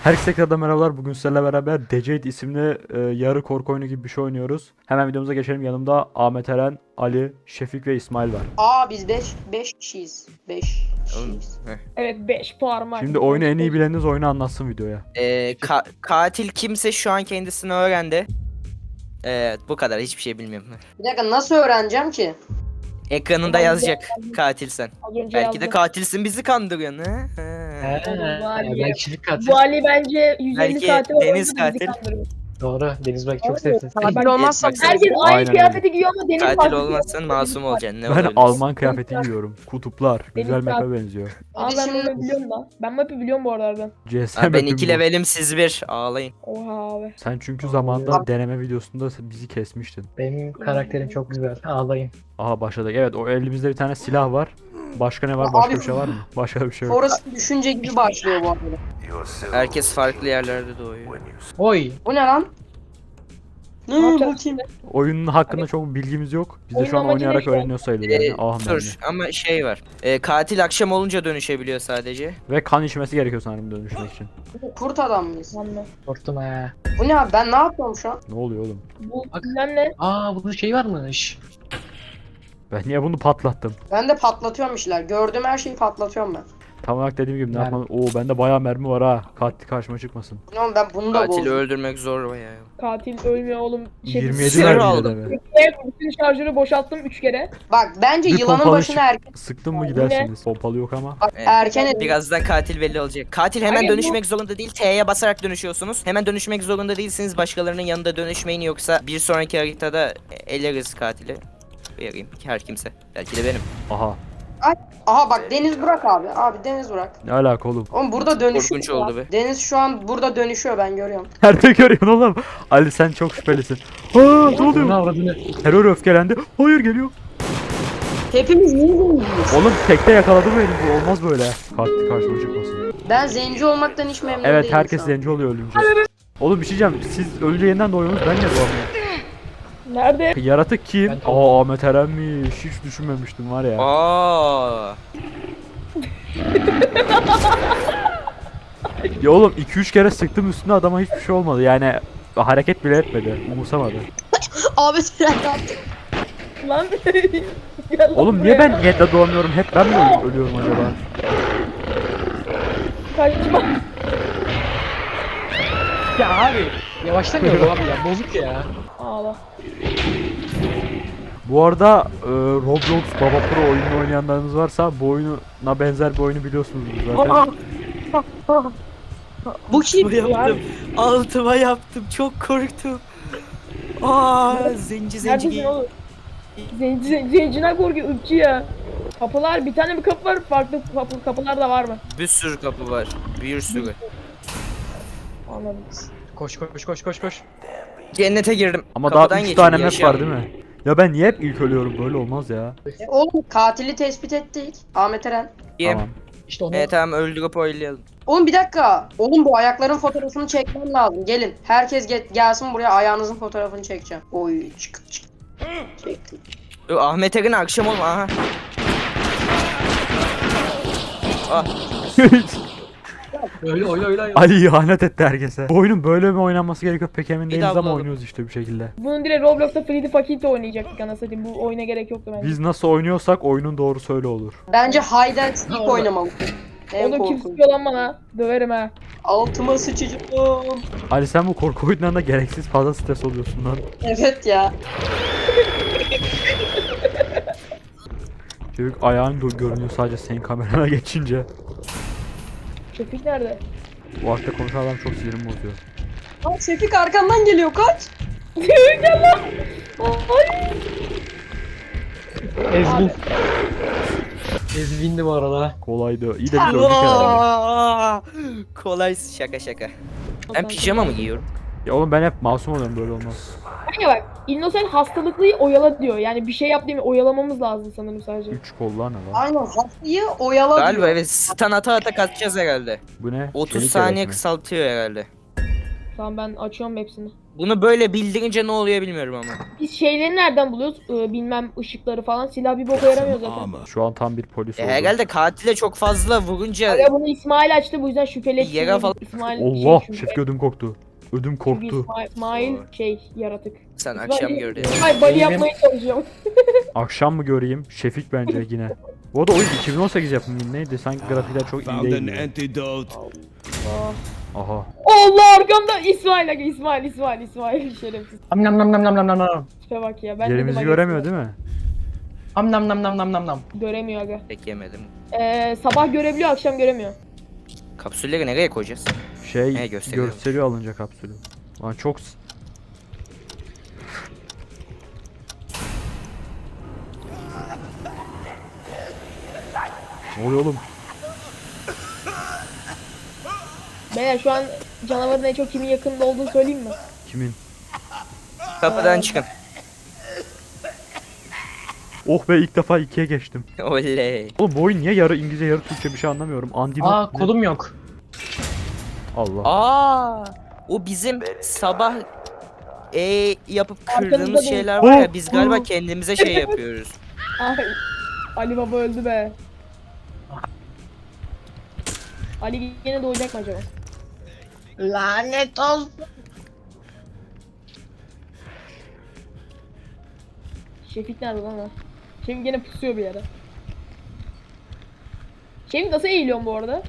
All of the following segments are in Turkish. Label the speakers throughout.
Speaker 1: Herkese tekrardan merhabalar. Bugün sizlerle beraber Decade isimli yarı korku oyunu gibi bir şey oynuyoruz. Hemen videomuza geçelim. Yanımda Ahmet Eren, Ali, Şefik ve İsmail var.
Speaker 2: Biz 5 kişiyiz. 5
Speaker 3: Oğlum,
Speaker 2: kişiyiz.
Speaker 4: Evet 5 parmak.
Speaker 1: Şimdi oyunu en iyi
Speaker 4: Beş.
Speaker 1: bileniniz oyunu anlatsın videoya.
Speaker 3: katil kimse şu an kendisini öğrendi. Evet, bu kadar, hiçbir şey bilmiyorum.
Speaker 2: Bir dakika nasıl öğreneceğim ki?
Speaker 3: Ekranında yazacak katil sen.
Speaker 4: Az önce
Speaker 3: Belki de
Speaker 4: yazdım.
Speaker 3: katilsin, bizi kandırıyorsun ha.
Speaker 4: Ali.
Speaker 5: Ben kişilik katil.
Speaker 4: Bu Ali bence 150
Speaker 3: Belki
Speaker 4: saati
Speaker 3: Deniz
Speaker 4: bizi
Speaker 3: katil.
Speaker 4: kandırıyor.
Speaker 5: Doğru. Deniz belki çok
Speaker 4: Doğru.
Speaker 5: sevsin.
Speaker 2: Katil olmazsam
Speaker 3: bak,
Speaker 4: Herkes aynı
Speaker 1: Aynen
Speaker 4: kıyafeti giyiyor ama Deniz
Speaker 3: Katil
Speaker 4: farklı
Speaker 3: olmazsan
Speaker 4: giyiyor.
Speaker 3: masum olacaksın. Ne
Speaker 1: Ben
Speaker 3: olabilirsin?
Speaker 1: Alman kıyafeti giyiyorum. Kutuplar. Güzel
Speaker 4: Deniz
Speaker 1: map'e
Speaker 4: saat-
Speaker 1: benziyor.
Speaker 4: Aa ben bunu biliyorum da. Ben map'i biliyorum bu aralardan.
Speaker 1: CS
Speaker 3: Ha, ben
Speaker 1: map'im
Speaker 3: 2
Speaker 1: bu.
Speaker 3: levelim, siz 1. Ağlayın.
Speaker 4: Oha abi.
Speaker 1: Sen çünkü zamanında deneme videosunda bizi kesmiştin.
Speaker 5: Benim karakterim çok güzel. Ağlayın.
Speaker 1: Aha başladık. Evet, o elimizde bir tane silah var. Başka ne var?
Speaker 2: Abi-
Speaker 1: Başka bir şey var mı? Başka bir şey yok.
Speaker 2: Forrest düşünce gibi başlıyor bu arada.
Speaker 3: Herkes farklı yerlerde doğuyor.
Speaker 5: Oy.
Speaker 2: Bu ne lan? Ne
Speaker 4: Ne
Speaker 2: bu
Speaker 4: yapacağız
Speaker 2: kim?
Speaker 1: Oyunun hakkında çok bilgimiz yok. Biz de
Speaker 4: Oyunun
Speaker 1: şu an
Speaker 4: amacı
Speaker 1: oynayarak
Speaker 4: ne şu an?
Speaker 1: öğreniyor sayılır yani. Ah mermi.
Speaker 3: Dur ama şey var. Katil akşam olunca dönüşebiliyor sadece.
Speaker 1: Ve kan içmesi gerekiyor sanırım dönüşmek için.
Speaker 2: Kurt adam mıyız?
Speaker 4: Anla.
Speaker 5: Korktum ha.
Speaker 2: Bu ne abi, ben ne yapıyorum şu an?
Speaker 1: Ne oluyor oğlum?
Speaker 4: Bu
Speaker 5: Bak.
Speaker 4: bilmem ne.
Speaker 5: Bunun şey varmış.
Speaker 1: Ben niye bunu patlattım?
Speaker 2: Ben de patlatıyorum işler. Gördüğüm her şeyi patlatıyorum ben.
Speaker 1: Tam olarak dediğim gibi ne
Speaker 5: Mermi.
Speaker 1: yapmam? Oo bende bayağı mermi var ha. Katil karşıma çıkmasın.
Speaker 2: Ne oğlum, ben bunu da
Speaker 3: Katili
Speaker 2: bozdum.
Speaker 3: öldürmek zor bayağı.
Speaker 4: Katil ölmüyor oğlum.
Speaker 1: 27
Speaker 3: Sinir
Speaker 1: mermi
Speaker 3: aldım.
Speaker 1: de mi?
Speaker 4: Bütün şarjörü boşalttım 3 kere.
Speaker 2: Bak bence
Speaker 1: Bir
Speaker 2: yılanın
Speaker 1: pompalı
Speaker 2: başına
Speaker 1: çık-
Speaker 2: erken.
Speaker 1: Sıktın mı
Speaker 4: Ya,
Speaker 1: gidersiniz. Pompalı yok ama.
Speaker 2: Bak
Speaker 3: Evet.
Speaker 2: erken et.
Speaker 3: Birazdan katil belli olacak. Katil hemen
Speaker 4: Hayır, bu-
Speaker 3: dönüşmek zorunda değil. T'ye basarak dönüşüyorsunuz. Hemen dönüşmek zorunda değilsiniz. Başkalarının yanında dönüşmeyin, yoksa bir sonraki haritada eleriz katili. Vereyim her kimse. Belki de benim.
Speaker 1: Aha.
Speaker 2: Aha bak Deniz Burak abi. Abi Deniz Burak.
Speaker 1: Ne alaka oğlum?
Speaker 2: Oğlum burada dönüşüyor.
Speaker 3: Korkunç
Speaker 2: ya.
Speaker 3: oldu be.
Speaker 2: Deniz şu an burada dönüşüyor, ben görüyorum.
Speaker 1: Nerede görüyorsun oğlum? Ali sen çok şüphelisin. Aa ne
Speaker 5: Ne
Speaker 1: oluyor?
Speaker 5: avradını?
Speaker 1: Terör öfkelendi. Hayır geliyor.
Speaker 2: Hepimiz niye zengiyiz?
Speaker 1: Oğlum tekte yakaladı beni. Bu olmaz böyle. Katil karşıma çıkmasın.
Speaker 2: Ben zenci olmaktan hiç memnun
Speaker 1: Evet
Speaker 2: değilim
Speaker 1: herkes
Speaker 2: şu an.
Speaker 1: zenci oluyor ölünce. Oğlum bir şey diyeceğim. Siz ölünce yeniden doğuyorsunuz. Ben niye doğamıyorum?
Speaker 4: Nerede?
Speaker 1: Yaratık kim?
Speaker 5: Ben doğdum.
Speaker 1: Ahmet Eren'miş. Hiç düşünmemiştim var ya.
Speaker 3: Aa.
Speaker 1: Ya oğlum 2-3 kere sıktım üstüne, adama hiçbir şey olmadı. Yani hareket bile etmedi. Umursamadı.
Speaker 2: Abi sen ne yaptın?
Speaker 4: Lan. Gel lan
Speaker 1: Oğlum niye
Speaker 4: buraya.
Speaker 1: ben yette doğamıyorum? Hep ben mi ölüyorum acaba?
Speaker 4: Kaçma.
Speaker 5: Ya abi. Yavaşlamıyor bu abi ya. Bozuk ya.
Speaker 4: Ağla.
Speaker 1: Bu arada Roblox Baba Pro oyununu oynayanlarınız varsa bu oyuna benzer bir oyunu biliyorsunuz zaten.
Speaker 2: Bu kim?
Speaker 3: Yaptım. Altıma yaptım. Çok korktum. Zenci
Speaker 4: Neredesin oğlum? Zenciler korkuyor ırkçı ya. Kapılar, bir tane bir kapı var, farklı kapılar da var mı?
Speaker 3: Bir sürü kapı var. Bir sürü.
Speaker 4: Anladım.
Speaker 5: Koş koş koş koş koş.
Speaker 3: Cennete girdim.
Speaker 1: Ama
Speaker 3: Kapıdan
Speaker 1: daha 3
Speaker 3: geçtim,
Speaker 1: tane map
Speaker 3: yaşayamam.
Speaker 1: var değil mi? Ya ben niye hep ilk ölüyorum? Böyle olmaz ya.
Speaker 2: Oğlum katili tespit ettik. Ahmet Eren.
Speaker 1: Tamam.
Speaker 5: İşte onu.
Speaker 3: Evet tamam, öldürüp oylayalım.
Speaker 2: Oğlum bir dakika. Oğlum bu ayakların fotoğrafını çekmem lazım. Gelin. Herkes gelsin buraya, ayağınızın fotoğrafını çekeceğim. Oy çık çık. Çektim.
Speaker 3: Dur, Ahmet Erin akşam olma. Aha. Ah,
Speaker 5: Öyle öyle öyle.
Speaker 1: Ali ihanet etti herkese. Bu oyunun böyle mi oynanması gerekiyor pek emin değiliz ama
Speaker 3: bulalım.
Speaker 1: oynuyoruz işte bir şekilde.
Speaker 4: Bunu direkt Roblox'ta Freddy Fakir'de oynayacaktık anasını satayım. Bu oyuna gerek yoktu bence.
Speaker 1: Biz nasıl oynuyorsak oyunun doğrusu öyle olur.
Speaker 2: Bence hide and seek
Speaker 5: Orada.
Speaker 2: oynamalısın. En
Speaker 4: Onu kim
Speaker 2: korkunç.
Speaker 4: sıkıyor lan bana? Döverim ha.
Speaker 2: Altıma sıçacağım.
Speaker 1: Ali sen bu korku oyunlarında gereksiz fazla stres oluyorsun lan.
Speaker 2: Evet ya.
Speaker 1: Çocuk ayağın görünüyor sadece senin kamerana geçince.
Speaker 4: Şefik nerede?
Speaker 1: Bu hakta konuşan adam çok sinirimi bozuyor.
Speaker 2: Lan Şefik arkandan geliyor, kaç.
Speaker 4: Gel lan. Ay.
Speaker 5: Ezvin. Ezvin'di bu arada.
Speaker 1: Kolaydı. İyi de biz öldük herhalde.
Speaker 3: kolay, şaka şaka. Ben pijama mı giyiyorum?
Speaker 1: Ya oğlum ben hep masum oluyorum, böyle olmaz.
Speaker 4: Kanka bak, Innocent hastalıklıyı oyala diyor. Yani bir şey yap değil mi? Oyalamamız lazım sanırım sadece.
Speaker 1: 3 kollar ne lan?
Speaker 2: Aynen, hastayı oyala
Speaker 3: Galiba
Speaker 2: diyor.
Speaker 3: evet, stun ata ata kaçacağız herhalde.
Speaker 1: Bu ne?
Speaker 3: 30
Speaker 1: Çelik
Speaker 3: saniye
Speaker 1: yelek mi?
Speaker 3: kısaltıyor herhalde.
Speaker 4: Tamam ben açıyorum hepsini.
Speaker 3: Bunu böyle bildirince ne oluyor bilmiyorum ama.
Speaker 4: Biz şeyleri nereden buluyoruz? Bilmem ışıkları falan. Silah bir boka yaramıyor zaten.
Speaker 1: Şu an tam bir polis oldu.
Speaker 3: Herhalde katile çok fazla vurunca
Speaker 4: Ya bunu İsmail açtı bu yüzden şüpheli.
Speaker 3: Yere falan-
Speaker 4: İsmail
Speaker 1: Allah,
Speaker 4: çünkü-
Speaker 1: Şefik ödüm korktu. Ödüm
Speaker 4: çünkü
Speaker 1: korktu.
Speaker 4: İsmail yaratık.
Speaker 3: sen akşam gördün.
Speaker 4: İsmail bali yapmaya çalışıyorum.
Speaker 1: Akşam mı göreyim? Şefik bence yine. Bu arada oyun 2018 yapımı neydi? Sanki grafikler çok iyi
Speaker 6: Found an
Speaker 1: değil.
Speaker 6: antidote.
Speaker 1: Aha.
Speaker 4: Allah arkamda İsmail şerefsiz.
Speaker 5: Am nam nam nam nam nam nam nam.
Speaker 4: Tipe bak ya. Ben
Speaker 1: Yerimizi
Speaker 4: dedim,
Speaker 1: göremiyor
Speaker 4: aga,
Speaker 1: değil mi?
Speaker 5: Am nam nam nam nam nam nam.
Speaker 4: göremiyor aga.
Speaker 3: Pek yemedim.
Speaker 4: Sabah görebiliyor akşam göremiyor.
Speaker 3: Kapsülleri nereye koyacağız?
Speaker 1: Şey
Speaker 3: gösteriyor.
Speaker 1: gösteriyor alınca kapsülü. Lan çok Ne oluyor oğlum?
Speaker 4: Beyler şu an canavarın en çok kimin yakınında olduğunu söyleyeyim mi?
Speaker 1: Kimin?
Speaker 3: Kapıdan çıkın.
Speaker 1: Oh be, ilk defa 2'ye geçtim.
Speaker 3: Oley.
Speaker 1: Oğlum bu oyun niye yarı İngilizce yarı Türkçe bir şey anlamıyorum. Andino.
Speaker 5: Aa kolum yok.
Speaker 1: Allah.
Speaker 3: Aa, o bizim sabah yapıp
Speaker 4: Arkanızda
Speaker 3: kırdığımız
Speaker 4: değil.
Speaker 3: şeyler var ya, biz
Speaker 1: Oh,
Speaker 3: galiba
Speaker 1: oh.
Speaker 3: kendimize şey yapıyoruz.
Speaker 4: Ay, Ali Baba öldü be. Ali yine doğacak mı acaba?
Speaker 2: Lanet olsun.
Speaker 4: Şefik nerede lan ha? Şefik yine pusuyor bir yere. Şefik nasıl eğiliyorsun bu arada?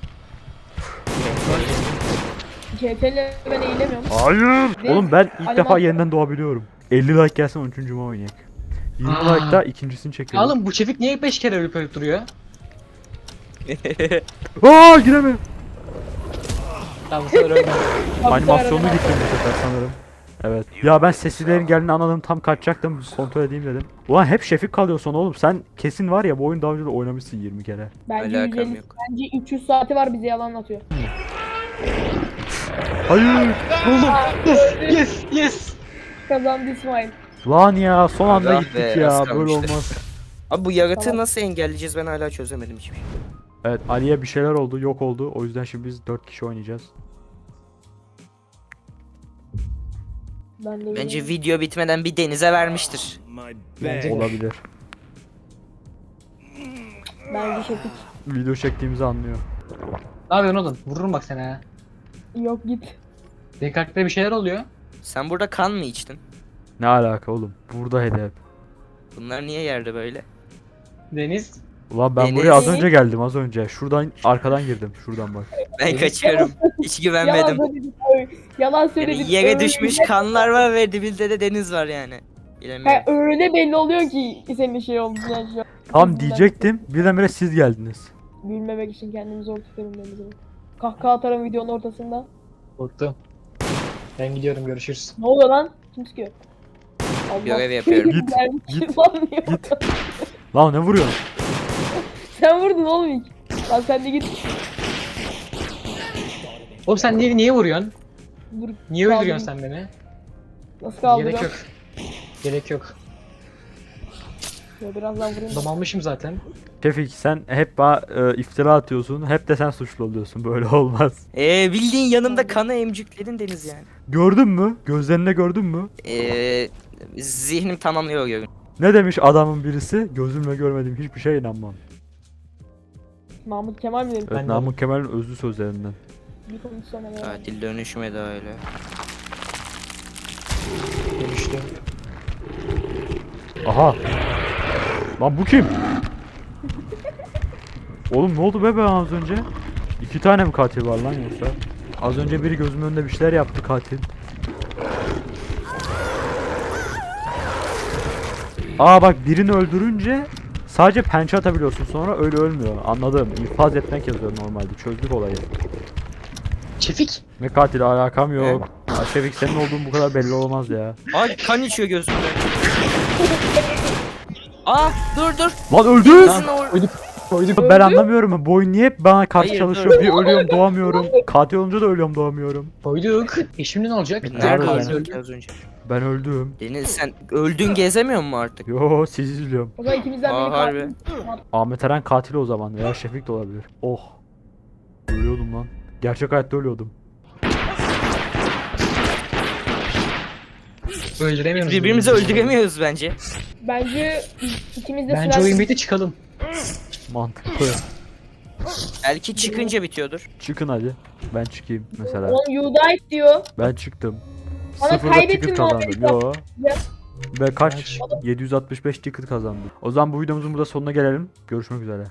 Speaker 4: CTRL'le ben eğilemiyorum.
Speaker 1: Hayır.
Speaker 4: Ve
Speaker 1: Oğlum ben ilk
Speaker 4: animasyon-
Speaker 1: defa yeniden doğabiliyorum. 50 like gelsin 13. cuma oynayalım. 20
Speaker 5: Aa.
Speaker 1: like'da ikincisini
Speaker 5: Ya
Speaker 1: çekiyorum.
Speaker 5: oğlum bu Şefik niye 5 kere ölüp duruyor?
Speaker 1: Aa, giremiyorum.
Speaker 5: Tamam bu sefer öldüm.
Speaker 1: Animasyonu gittim bu sefer sanırım. Evet. Ya ben seslilerin geldiğini anladım, tam kaçacaktım, kontrol edeyim dedim. Ulan hep Şefik kalıyor sonra oğlum. Sen kesin var ya bu oyunu daha önce de oynamışsın 20 kere.
Speaker 4: Bence
Speaker 3: Alakam
Speaker 4: 150,
Speaker 3: yok.
Speaker 4: bence 300 saati var bize yalan atıyor.
Speaker 1: Hayır.
Speaker 5: Yes yes.
Speaker 4: Kazandı İsmail.
Speaker 1: Lan ya, son anda
Speaker 3: Allah
Speaker 1: gittik
Speaker 3: be,
Speaker 1: ya,
Speaker 3: az
Speaker 1: böyle
Speaker 3: kalmıştı.
Speaker 1: olmaz.
Speaker 3: Abi bu yaratığı
Speaker 4: Tamam.
Speaker 3: nasıl engelleyeceğiz, ben hala çözemedim hiçbir şey.
Speaker 1: Evet, Ali'ye bir şeyler oldu, yok oldu. O yüzden şimdi biz 4 kişi oynayacağız.
Speaker 4: Ben de
Speaker 3: Bence video bitmeden bir denize vermiştir.
Speaker 6: My
Speaker 5: Bence-
Speaker 6: bag.
Speaker 1: Olabilir.
Speaker 4: Bence Şefik.
Speaker 1: Video çektiğimizi anlıyor.
Speaker 5: Ne yapıyorsun oğlum? Vururum bak sana ha.
Speaker 4: Yok git.
Speaker 5: Benim karaktere bir şeyler oluyor.
Speaker 3: Sen burada kan mı içtin?
Speaker 1: Ne alaka oğlum? Burada hedef.
Speaker 3: Bunlar niye yerde böyle?
Speaker 5: Deniz.
Speaker 1: Ulan ben
Speaker 3: Deniz.
Speaker 1: buraya az önce geldim, az önce. Şuradan arkadan girdim. Şuradan bak.
Speaker 3: Ben kaçıyorum. Hiç güvenmedim.
Speaker 4: Yalan söyledik. Yalan
Speaker 3: Yani
Speaker 4: söyledik.
Speaker 3: yere
Speaker 4: Öyle-
Speaker 3: düşmüş kanlar var ve dibinde de deniz var yani.
Speaker 4: Ha,
Speaker 3: Bilemiyorum.
Speaker 4: öyle belli oluyor ki senin şey oldu. Yani şu an.
Speaker 1: Tam diyecektim, birdenbire siz geldiniz.
Speaker 4: Gülmemek için kendimi zor tutuyorum denize. Kahkaha atarım videonun ortasında.
Speaker 5: Korktum. Ben gidiyorum, görüşürüz.
Speaker 4: Ne oluyor lan? Kim sıkıyor? Allah.
Speaker 3: Görev yapıyorum.
Speaker 1: Git,
Speaker 4: Gelmiş lan niye
Speaker 1: Git. Lan ne vuruyorsun?
Speaker 4: Sen vurdun oğlum ilk. Lan sen de git.
Speaker 5: Oğlum sen niye vuruyorsun?
Speaker 4: Dur.
Speaker 5: Niye
Speaker 4: Kaldırayım.
Speaker 5: öldürüyorsun sen beni?
Speaker 4: Nasıl kaldırıyor?
Speaker 5: Gerek yok. Gerek yok.
Speaker 4: Ya birazdan vurayım.
Speaker 5: Adam almışım zaten.
Speaker 1: Şefik, sen hep bana iftira atıyorsun, hep de sen suçlu oluyorsun. Böyle olmaz.
Speaker 3: Bildiğin yanımda kanı emcükledin deniz yani.
Speaker 1: Gördün mü? Gözlerine gördün mü?
Speaker 3: Zihnim tamamlıyor görün.
Speaker 1: Ne demiş adamın birisi? Gözümle görmediğim hiçbir şeye inanmam.
Speaker 4: Mahmut Kemal mi demiş?
Speaker 1: Evet,
Speaker 5: Ben de-
Speaker 1: Namık Kemal'in özlü sözlerinden.
Speaker 4: Bir konuşsana ya.
Speaker 3: Katil dönüşme de öyle.
Speaker 5: Dönüştüm.
Speaker 1: Aha. Lan bu kim? Oğlum ne oldu be ben az önce? 2 tane mi katil var lan yoksa? Az önce biri gözümün önünde bir şeyler yaptı, katil. Aa bak, birini öldürünce sadece pençe atabiliyorsun, sonra öyle ölmüyor. Anladım. İnfaz etmek yazıyor normalde. Çözdük olayı.
Speaker 5: Şefik.
Speaker 1: Ne katil, alakam yok. Ya Şefik, senin olduğun bu kadar belli olmaz ya.
Speaker 3: Ay kan içiyor gözümden. Dur.
Speaker 1: Lan öldü!
Speaker 3: Lan
Speaker 5: Koyduk.
Speaker 1: Ben anlamıyorum. Bu oyun niye hep bana karşı
Speaker 3: Hayır,
Speaker 1: çalışıyor?
Speaker 3: dur.
Speaker 1: Bir ölüyorum, doğamıyorum. Katil olunca da ölüyorum, doğamıyorum.
Speaker 5: Koyduk. Şimdi ne olacak?
Speaker 1: Nerede
Speaker 3: Nerede
Speaker 1: ben?
Speaker 3: öldün az önce?
Speaker 1: Ben öldüm.
Speaker 3: Deniz sen öldün gezemiyor musun artık?
Speaker 1: Yo, sizi izliyorum.
Speaker 4: O zaman ikimizden biri
Speaker 3: Harbi.
Speaker 1: Ahmet Eren katil o zaman, veya Şefik de olabilir. Oh. Ölüyordum lan. Gerçek hayatta ölüyordum.
Speaker 5: Öldüremiyoruz.
Speaker 3: Birbirimizi öldüremiyoruz bence.
Speaker 4: Bence ikimiz de
Speaker 5: Bence oyun bitti çıkalım.
Speaker 1: Mantıklı.
Speaker 3: Belki çıkınca bitiyordur.
Speaker 1: Çıkın hadi. Ben çıkayım mesela.
Speaker 4: Oğlum you died diyor.
Speaker 1: Ben çıktım.
Speaker 4: Bana
Speaker 1: Sıfırda
Speaker 4: kaybettin
Speaker 1: ticket
Speaker 4: muhabbeti
Speaker 1: kazandım. Yo.
Speaker 4: Ya.
Speaker 1: Ve kaç?
Speaker 5: Kaç?
Speaker 1: 765 ticket kazandım. O zaman bu videomuzun burada sonuna gelelim. Görüşmek üzere.